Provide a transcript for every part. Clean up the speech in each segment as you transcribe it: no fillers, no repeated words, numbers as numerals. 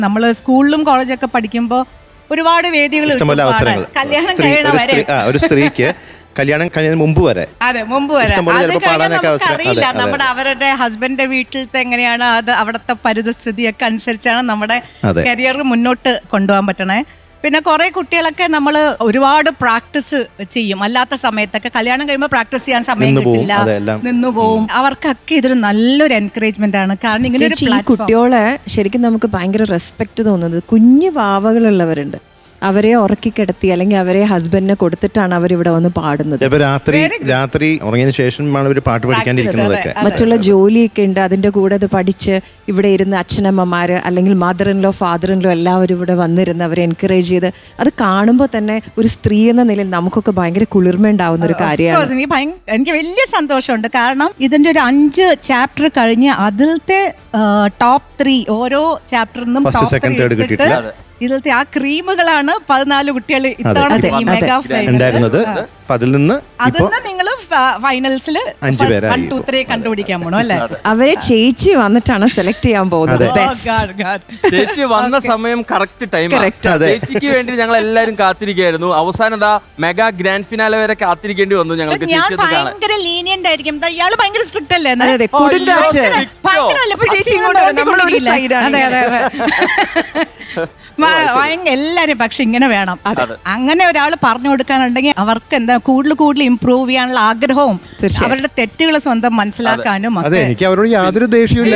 നമ്മൾ സ്കൂളിലും കോളേജൊക്കെ പഠിക്കുമ്പോൾ ഒരുപാട് വേദികൾ കല്യാണം കഴിയണ വരെ ഒരു സ്ത്രീക്ക് കല്യാണം കഴിയുന്നതിന് മുമ്പ് വരെ മുമ്പ് വരെ അറിയില്ല നമ്മുടെ അവരുടെ ഹസ്ബൻഡിന്റെ വീട്ടിലത്തെ എങ്ങനെയാണ് അത് അവിടുത്തെ പരിതസ്ഥിതിയൊക്കെ അനുസരിച്ചാണ് നമ്മുടെ കരിയർ മുന്നോട്ട് കൊണ്ടുപോകാൻ പറ്റണേ. പിന്നെ കുറെ കുട്ടികളൊക്കെ നമ്മൾ ഒരുപാട് പ്രാക്ടീസ് ചെയ്യും, അല്ലാത്ത സമയത്തൊക്കെ കല്യാണം കഴിയുമ്പോൾ പ്രാക്ടീസ് ചെയ്യാൻ സമയം കിട്ടില്ല, നിന്നുപോകും. അവർക്കൊക്കെ ഇതൊരു നല്ലൊരു എൻകറേജ്മെന്റ് ആണ്. കാരണം ഇങ്ങനെ ഈ കുട്ടികളെ ശരിക്കും നമുക്ക് ഭയങ്കര റെസ്പെക്ട് തോന്നുന്നത് കുഞ്ഞു വാവകളുള്ളവരുണ്ട്, അവരെ ഉറക്കി കിടത്തി അല്ലെങ്കിൽ അവരെ ഹസ്ബൻഡിനെ കൊടുത്തിട്ടാണ് അവരിവിടെ വന്ന് പാടുന്നത്. രാത്രി ഉറങ്ങിയതിനു ശേഷമാണ് ഇവർ പാട്ട് പഠിക്കാനിരിക്കുന്നതൊക്കെ. മറ്റുള്ള ജോലിയൊക്കെ ഉണ്ട്, അതിന്റെ കൂടെ അത് പഠിച്ച് ഇവിടെ ഇരുന്ന് അച്ഛനമ്മമാര് അല്ലെങ്കിൽ mother in law father in law എല്ലാവരും ഇവിടെ വന്നിരുന്ന് അവരെ എൻകറേജ് ചെയ്ത് അത് കാണുമ്പോൾ തന്നെ ഒരു സ്ത്രീ എന്ന നിലയിൽ നമുക്കൊക്കെ ഭയങ്കര കുളിർമ ഉണ്ടാവുന്ന ഒരു കാര്യമാണ്. എനിക്ക് വലിയ സന്തോഷമുണ്ട്. കാരണം ഇതിന്റെ ഒരു 5 ചാപ്റ്റർ കഴിഞ്ഞ് അതിലത്തെ ടോപ്പ് 3 ഓരോ ചാപ്റ്ററിൽ നിന്നും ഇതിലത്തെ ആ ക്രീമുകളാണ് 14 കുട്ടികൾ ഇത്തവണ മെഗാ ഉണ്ടായിരുന്നത്. അതിൽ നിന്ന് നിങ്ങൾ ഫൈനൽസിൽ 1, 2, 3 കണ്ടുപിടിക്കാൻ പോണോ അല്ലേ? അവരെ ചേച്ചി വന്നിട്ടാണ് സെലക്ട് ചെയ്യാൻ പോകുന്നത്. ചേച്ചി വന്ന സമയം കറക്റ്റ് ടൈം. ചേച്ചിക്ക് വേണ്ടി ഞങ്ങൾ എല്ലാരും കാത്തിരിക്കുകയായിരുന്നു. അവസാനം മെഗാ ഗ്രാൻഡ് ഫിനാലെ വരെ കാത്തിരിക്കേണ്ടി വന്നു ഞങ്ങൾക്ക്. ഭയങ്കര ലീനിയന്റ് ആയിരിക്കും. ഇയാള് ഭയങ്കര സ്ട്രിക്റ്റ് അല്ലേ? എല്ലാരും പക്ഷെ ഇങ്ങനെ വേണം. അങ്ങനെ ഒരാൾ പറഞ്ഞു കൊടുക്കാനുണ്ടെങ്കിൽ അവർക്ക് എന്താ കൂടുതൽ ഇംപ്രൂവ് ചെയ്യാനുള്ള ആഗ്രഹവും അവരുടെ തെറ്റുകൾ സ്വന്തം മനസ്സിലാക്കാനും. എനിക്ക് അവരോട് യാതൊരു ദേഷ്യമില്ല.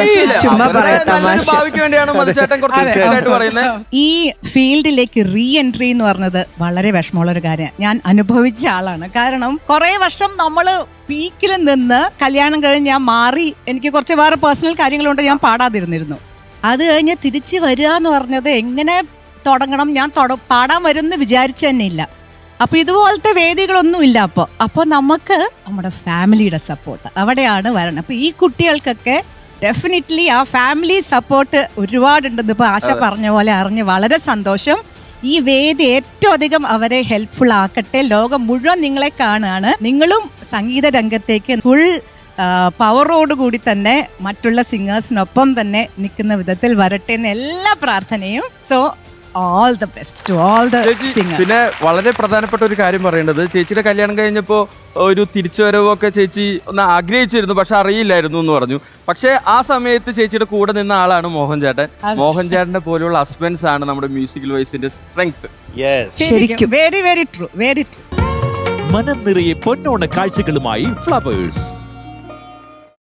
ഈ ഫീൽഡിലേക്ക് റീ എൻട്രി എന്ന് പറഞ്ഞത് വളരെ വിഷമമുള്ള ഒരു കാര്യമാണ്. ഞാൻ അനുഭവിച്ച ആളാണ്. കാരണം കുറെ വർഷം നമ്മള് പീക്കിൽ നിന്ന് കല്യാണം കഴിഞ്ഞ് ഞാൻ മാറി. എനിക്ക് കുറച്ച് വേറെ പേഴ്സണൽ കാര്യങ്ങളുണ്ട്, ഞാൻ പാടാതിരുന്നിരുന്നു. അത് കഴിഞ്ഞ് തിരിച്ച് വരിക എന്ന് പറഞ്ഞത് എങ്ങനെ തുടങ്ങണം, ഞാൻ പാടാൻ വരുമെന്ന് വിചാരിച്ചു തന്നെ ഇല്ല. അപ്പോൾ ഇതുപോലത്തെ വേദികളൊന്നും ഇല്ല. അപ്പോൾ നമുക്ക് നമ്മുടെ ഫാമിലിയുടെ സപ്പോർട്ട് അവിടെയാണ് വരണം. അപ്പോൾ ഈ കുട്ടികൾക്കൊക്കെ ഡെഫിനറ്റ്ലി ആ ഫാമിലി സപ്പോർട്ട് ഒരുപാടുണ്ടെന്ന് ഇപ്പോൾ ആശ പറഞ്ഞ പോലെ അറിഞ്ഞ് വളരെ സന്തോഷം. ഈ വേദി ഏറ്റവും അധികം അവരെ ഹെൽപ്ഫുൾ ആക്കട്ടെ. ലോകം മുഴുവൻ നിങ്ങളെ കാണുകയാണ്. നിങ്ങളും സംഗീത രംഗത്തേക്ക് ഫുൾ പവറോടുകൂടി തന്നെ മറ്റുള്ള സിംഗേഴ്സിനൊപ്പം തന്നെ നിൽക്കുന്ന വിധത്തിൽ വരട്ടെ എന്ന് എല്ലാ പ്രാർത്ഥനയും. So all the best to all the singers. പിന്നെ വളരെ പ്രധാനപ്പെട്ട ഒരു കാര്യം പറയേണ്ടത്, ചേച്ചിയുടെ കല്യാണം കഴിഞ്ഞപ്പോൾ ഒരു തിരിച്ചുവരവൊക്കെ ചേച്ചി ഒന്ന് ആഗ്രഹിച്ചിരുന്നു, പക്ഷെ അറിയില്ലായിരുന്നു എന്ന് പറഞ്ഞു. പക്ഷെ ആ സമയത്ത് ചേച്ചിയുടെ കൂടെ നിന്ന ആളാണ് മോഹൻ ചേട്ടൻ. മോഹൻ ചേട്ടന്റെ പോലെയുള്ള ഹസ്ബൻഡ്സ് ആണ് നമ്മുടെ മ്യൂസിക്കൽ വോയിസിന്റെ സ്ട്രെങ്ത്. ശരിക്കും very very true, very true. മനം നിറയെ പൊന്നോണ കാഴ്ചകളുമായി ഫ്ലവേഴ്സ്.